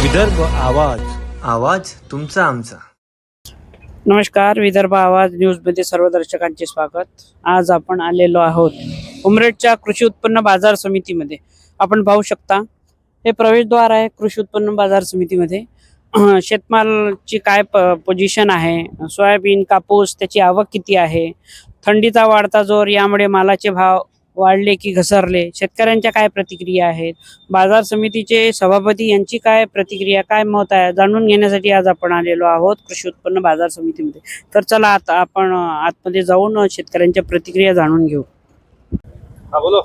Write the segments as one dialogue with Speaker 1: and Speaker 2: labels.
Speaker 1: विदर्भ आवाज, आवाज तुमचा आमचा.
Speaker 2: नमस्कार, विदर्भ आवाज न्यूजमध्ये सर्व दर्शकांचे स्वागत. आज आपण आलेलो आहोत उमरेडच्या कृषी उत्पन्न बाजार समितीमध्ये. आपण पाहू शकता हे प्रवेशद्वार आहे कृषी उत्पन्न बाजार समितीमध्ये. शेतमालाची काय पोझिशन आहे, सोयाबीन, कापूस, त्याची आवक किती आहे, थंडीचा वाढता जोर यामुळे मालाचे भाव वाढले की घसरले, शेतकऱ्यांच्या काय प्रतिक्रिया आहेत, बाजार समितीचे सभापती यांची काय प्रतिक्रिया, काय मत आहे, जाणून घेण्यासाठी आज आपण आलेलो आहोत कृषी उत्पन्न बाजार समितीमध्ये. तर चला आता आपण आतमध्ये जाऊन शेतकऱ्यांच्या प्रतिक्रिया जाणून घेऊ.
Speaker 3: हाँ बोलो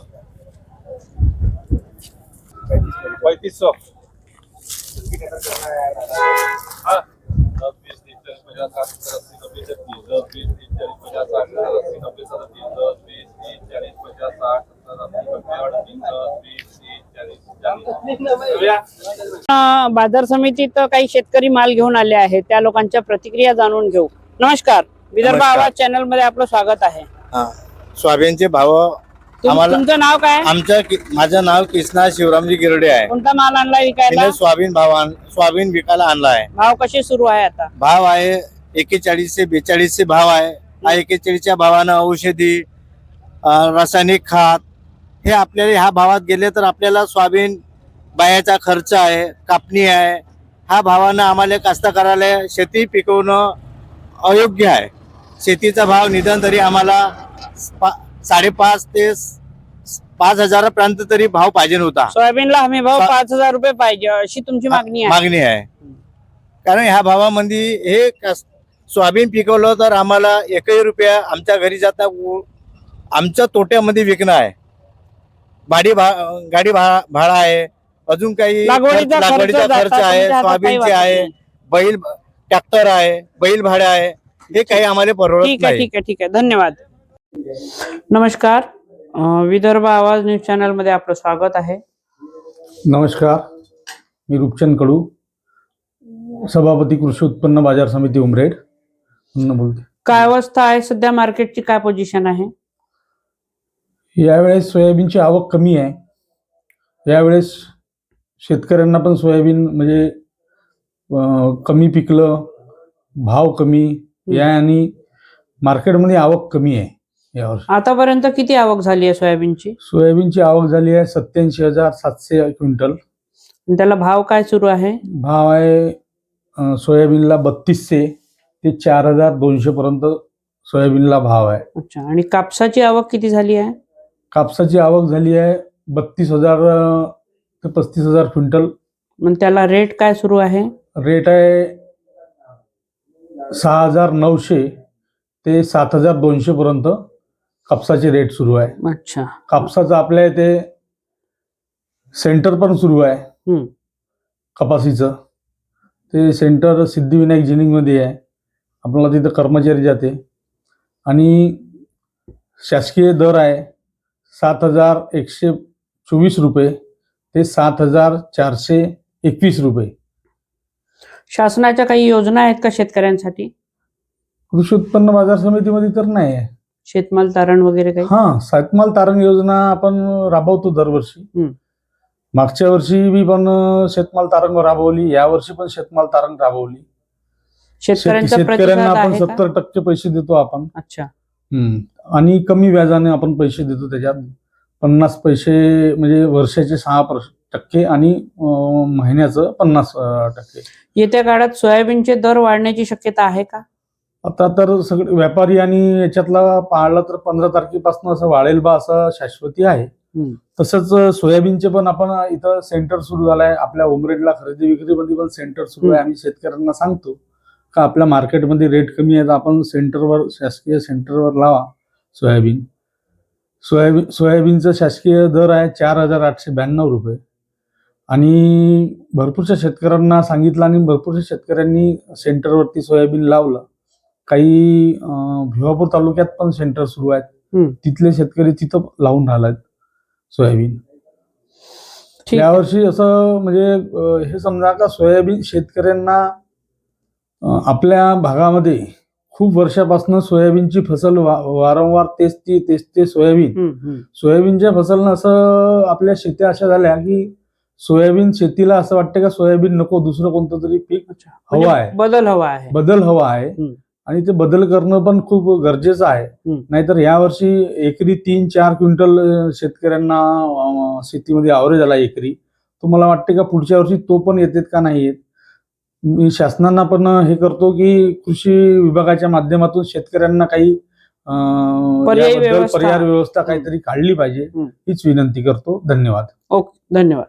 Speaker 3: 3500 हाँ 10 20 30 40 50 60 70 80 90 10 20 30 40 50 60 70 80 90 10 20 30 40 50 60 70
Speaker 2: बाजार समितीत काही शेतकरी माल घेऊन आले आहेत, त्या लोकांच्या प्रतिक्रिया जाणून घेऊ. नमस्कार, विदर्भ
Speaker 4: नमस्कार.
Speaker 2: आवाज चॅनल मध्ये आपलं स्वागत आहे.
Speaker 4: सोयाबीनचे भाव आम्हाला
Speaker 2: तुमचं नाव काय?
Speaker 4: माझं नाव कृष्णा शिवरामजी गिरडे आहे.
Speaker 2: कोणता माल आणला विकायला?
Speaker 4: तिने सोयाबीन विकायला आणला आहे.
Speaker 2: भाव कसे सुरू आहे आता?
Speaker 4: भाव आहे 41 से 42 भाव आहे. 41च्या भावानं औषधी, रासायनिक खत हे आपल्याला ह्या भावात गेले तर आपल्याला सोयाबीन बायाचा खर्च आहे, कापणी आहे. ह्या भावानं आम्हाला कास्तकाराला शेती पिकवणं अयोग्य आहे. शेतीचा भाव निदान तरी आम्हाला 5,500 ते 5,000 पर्यंत तरी भाव पाहिजे होता.
Speaker 2: सोयाबीनला हमी भाव 5,000 रुपये पाहिजे अशी तुमची मागणी आहे.
Speaker 4: कारण ह्या भावामध्ये हे सोयाबीन पिकवलं तर आम्हाला 1 रुपया आमच्या घरी जाता आमच्या तोट्यामध्ये विकणं आहे. गाडी भाडा आहे, अजून काही
Speaker 2: लागवडीचा
Speaker 4: खर्च आहे, सोयाबीनचे आहे, बैल ट्रॅक्टर आहे, बैल भाडे आहे. हे काही आम्हाला परवडत नाही.
Speaker 2: ठीक आहे, धन्यवाद. नमस्कार, विदर्भ आवाज न्यूज चॅनल मध्ये आपलं स्वागत आहे.
Speaker 5: नमस्कार, मी रूपचंद कडू, सभापती कृषी उत्पन्न बाजार समिती उमरेड बोलते.
Speaker 2: काय अवस्था आहे सध्या, मार्केटची काय पोझिशन आहे?
Speaker 5: यावेळेस सोयाबीनची आवक कमी आहे. यावेळेस शेतकऱ्यांना पण सोयाबीन म्हणजे कमी पिकलं, भाव कमी या आणि मार्केटमध्ये आवक कमी आहे. यावर्षी
Speaker 2: आतापर्यंत किती आवक झाली आहे
Speaker 5: सोयाबीनची आवक झाली आहे 87,700 क्विंटल.
Speaker 2: त्याला भाव काय सुरू आहे?
Speaker 5: भाव आहे सोयाबीनला 3200 ते 4,200 पर्यंत सोयाबीनला भाव आहे.
Speaker 2: अच्छा, आणि कापसाची आवक किती झाली आहे?
Speaker 5: कापसाची आवक झाली आहे 32,000 ते 35,000 क्विंटल.
Speaker 2: मग त्याला रेट काय सुरू आहे?
Speaker 5: रेट आहे 6,900 ते 7,200 पर्यंत कापसाचे रेट सुरू आहे.
Speaker 2: अच्छा,
Speaker 5: कापसाचं आपल्या इथे सेंटर पण सुरू आहे. कपासीचं ते सेंटर सिद्धिविनायक जिनिंग मध्ये आहे. आपल्याला तिथं कर्मचारी जाते आणि शासकीय दर आहे 7,124 रुपये ते 7,421 रुपये.
Speaker 2: शासनाच्या काही योजना आहेत का शेतकऱ्यांसाठी?
Speaker 5: कृषी उत्पन्न बाजार समितीमध्ये तर नाही आहे.
Speaker 2: शेतमाल तारण वगैरे काही?
Speaker 5: शेतमाल तारण योजना आपण राबवतो दरवर्षी. मागच्या वर्षी बी पण शेतमाल तारण राबवली, या वर्षी पण शेतमाल तारण राबवली. शेतकऱ्यांना आपण 70% पैसे देतो आपण.
Speaker 2: अच्छा,
Speaker 5: आणि कमी व्याजाने आपण पैसे देतो. त्याच्यात 50 पैसे म्हणजे वर्षाचे 6% आणि महिन्याचं 50%.
Speaker 2: येत्या काळात सोयाबीनचे दर वाढण्याची शक्यता आहे का?
Speaker 5: आता तर सगळे व्यापारी आणि याच्यातला पाळला तर 15 तारखेपासून असं वाढेल बा असं शाश्वती आहे. तसंच सोयाबीनचे पण आपण इथं सेंटर सुरू झालं आहे. आपल्या उमरेडला खरेदी विक्रीमध्ये पण सेंटर सुरू आहे. आम्ही शेतकऱ्यांना सांगतो का आपल्या मार्केटमध्ये रेट कमी आहे तर आपण सेंटरवर, शासकीय सेंटरवर लावा सोयाबीनचा शासकीय दर आहे 4,892 रुपये. आणि भरपूरशा शेतकऱ्यांना सांगितलं आणि भरपूरशा शेतकऱ्यांनी सेंटरवरती सोयाबीन लावलं. काही भिवापूर तालुक्यात पण सेंटर सुरू आहेत. तिथले शेतकरी तिथं लावून राहिलेत सोयाबीन. यावर्षी असं म्हणजे हे समजा का सोयाबीन शेतकऱ्यांना आपल्या भागामध्ये खूप वर्षापासून सोयाबीनची फसल वारंवार तेच ते सोयाबीनच्या फसलनं असं आपल्या शेत्या अशा झाल्या की सोयाबीन शेतीला असं वाटतं का सोयाबीन नको दुसरं कोणतं तरी पीक हवं आहे,
Speaker 2: म्हणजे बदल हवा आहे.
Speaker 5: बदल हवा आहे.
Speaker 2: हम्म.
Speaker 5: आणि ते बदल करणं पण खूप गरजेचं आहे.
Speaker 2: हम्म.
Speaker 5: नाहीतर यावर्षी एकरी 3-4 क्विंटल शेतकऱ्यांना शेतीमध्ये ॲव्हरेज आला एकरी. तो मला वाटते का पुढच्या वर्षी तो पण येतात का नाही येत. मी शासनाला पण हे करतो की कृषी विभागाच्या माध्यमातून शेतकऱ्यांना काही
Speaker 2: पर्यायी
Speaker 5: याबद्दल
Speaker 2: व्यवस्था.
Speaker 5: पर्याय व्यवस्था काहीतरी काढली पाहिजे हीच विनंती करतो. धन्यवाद.
Speaker 2: ओके, धन्यवाद.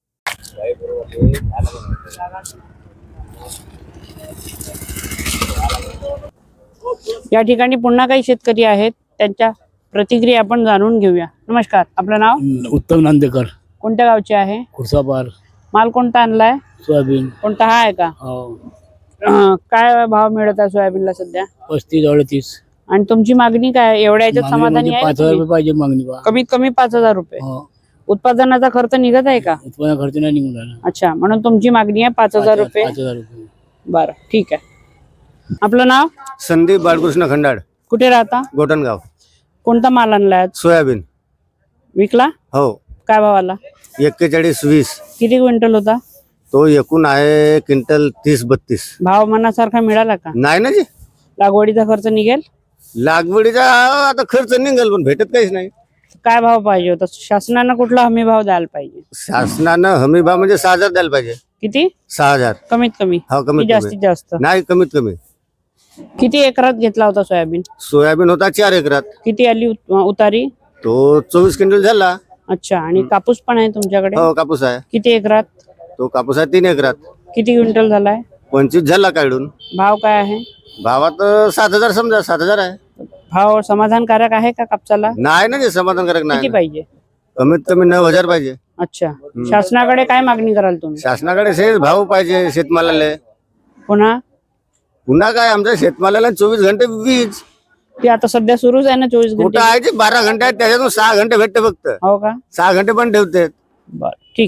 Speaker 2: या ठिकाणी पुन्हा काही शेतकरी आहेत, त्यांच्या प्रतिक्रिया आपण जाणून घेऊया. नमस्कार, आपलं नाव?
Speaker 6: उत्तम नांदेकर,
Speaker 2: कोणत्या गावचे आहे?
Speaker 6: खुर्सापार.
Speaker 2: माल कोणता आणलाय?
Speaker 6: सोयाबीन.
Speaker 2: कोणता हा आहे का? काय भाव मिळत आहे सोयाबीनला सध्या?
Speaker 6: 35-38.
Speaker 2: आणि तुमची मागणी काय? एवढ्या याच्यात समाधानी आहे?
Speaker 6: 5,000 रुपये पाहिजे मागणी बा.
Speaker 2: कमीत कमी 5,000 रुपये.
Speaker 6: हो.
Speaker 2: उत्पादनाचा खर्च निघत आहे का?
Speaker 6: उत्पन्न खर्च नाही निघून राहिला.
Speaker 2: अच्छा, म्हणून तुमची मागणी आहे 5,000 रुपये.
Speaker 6: 5,000 रुपये.
Speaker 2: बरं, ठीक आहे. आपलं नाव?
Speaker 4: संदीप बाळकृष्ण खंडाड,
Speaker 2: कुठे राहता?
Speaker 4: गोटनगाव.
Speaker 2: कोणता माल आणलाय?
Speaker 4: सोयाबीन.
Speaker 2: विकला?
Speaker 4: हो.
Speaker 2: काय भावाला?
Speaker 4: 41-20.
Speaker 2: किती क्विंटल होता?
Speaker 4: तो एकूण आहे क्विंटल 30-32.
Speaker 2: भाव मनासारखा मिळाला का?
Speaker 4: नाही ना जी,
Speaker 2: लागवडीचा खर्च निघेल?
Speaker 4: लागवडीचा आता खर्च निघेल पण भेटत काहीच नाही.
Speaker 2: काय भाव पाहिजे होता? शासनानं कुठला हमी भाव द्यायला पाहिजे?
Speaker 4: शासनानं हमी भाव म्हणजे 6,000 द्यायला पाहिजे.
Speaker 2: किती?
Speaker 4: 6,000.
Speaker 2: कमीत कमी?
Speaker 4: हो,
Speaker 2: की
Speaker 4: कमीत
Speaker 2: जास्तीत
Speaker 4: कमी.
Speaker 2: जास्त?
Speaker 4: नाही, कमीत कमी.
Speaker 2: किती एकरात घेतला होता सोयाबीन?
Speaker 4: सोयाबीन होता 4 एकरात.
Speaker 2: किती आली उतारी?
Speaker 4: तो 24 क्विंटल झाला.
Speaker 2: अच्छा, आणि कापूस पण आहे तुमच्याकडे?
Speaker 4: हो, कापूस आहे.
Speaker 2: किती एकरात?
Speaker 4: तो कापूस आहे 3 एकरात.
Speaker 2: किती क्विंटल झालाय?
Speaker 4: 25 झाला काढून.
Speaker 2: भाव काय आहे?
Speaker 4: भावात 7,000 समजा, 7,000 आहे.
Speaker 2: भाव समाधानकारक आहे का कापसाला?
Speaker 4: नाही ना, जे समाधानकारक
Speaker 2: किती
Speaker 4: नाही.
Speaker 2: पाहिजे?
Speaker 4: कमीत कमी 9,000 पाहिजे.
Speaker 2: अच्छा, शासनाकडे काय मागणी कराल तुम्ही?
Speaker 4: शासनाकडे शेत भाव पाहिजे शेतमालाला.
Speaker 2: पुन्हा
Speaker 4: पुन्हा काय, आमच्या शेतमालाला 24 घंटे वीज.
Speaker 2: ते आता सध्या सुरूच आहे ना 24
Speaker 4: कुठं
Speaker 2: घंटे?
Speaker 4: आहे ते 12 घंटे आहेत, त्याच्यातून 6 घंटे भेटते फक्त.
Speaker 2: हो का?
Speaker 4: 6 घंटे पण ठेवते.
Speaker 2: बर, ठीक.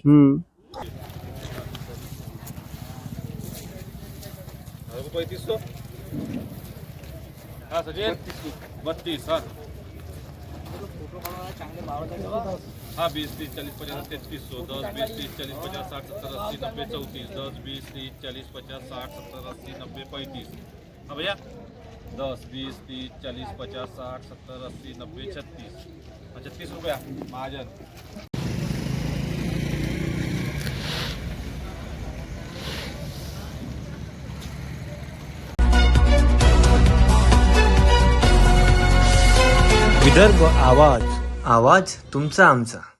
Speaker 3: रुपये 300. हा सचिन 32. हाँ 20, 30, 40, 50, 3300, 10, 20, 30, 40, 50, 60, 70, 80, 90, 34, 10, 20, 30, 40, 50, 60, 70, 80, 90, 35. हाँ भैया 10, 20, 30, 40, 50, 60, 70, 80, 90, 36. 36 रुपया महाजन.
Speaker 1: विदर्भ आवाज, आवाज तुमचा आमचा.